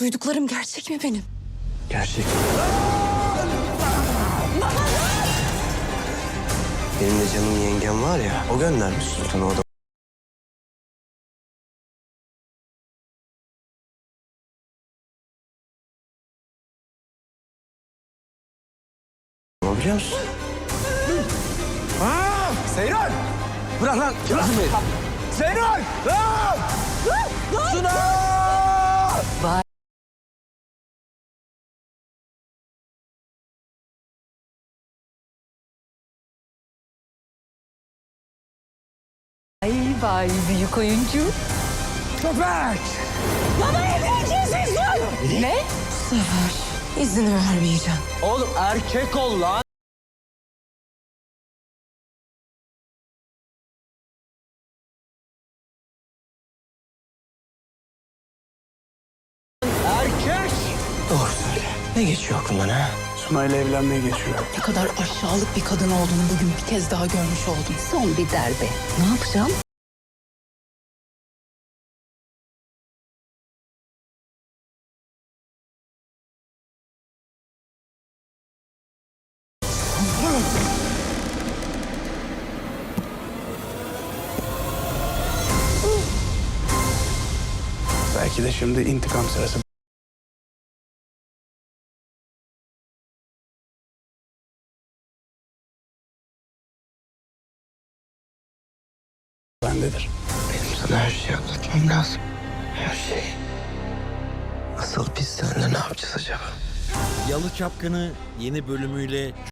Duyduklarım gerçek mi benim? Gerçek. Benim de canım yengem var ya, o göndermiş sultanı o da. Biliyor musun? Seyran! Bırak lan! Bırak beni! Seyran! Lan! Suna! Ay vay büyük oyuncu. Köpek! Bana evleneceğiz Ne? Bu sefer izin vermeyeceğim. Oğlum erkek ol lan! Erkek! Doğru söyle. Ne geçiyor aklından ha? Sunay'la evlenmeye geçiyor. Ne kadar aşağılık bir kadın olduğunu bugün bir kez daha görmüş oldum. Son bir darbe. Ne yapacağım? Belki de şimdi intikam sırası. Bendedir. Benim sana her şeyi anlatmam lazım. Her şey. Asıl biz seninle ne yapacağız acaba? Yalı Çapkını yeni bölümüyle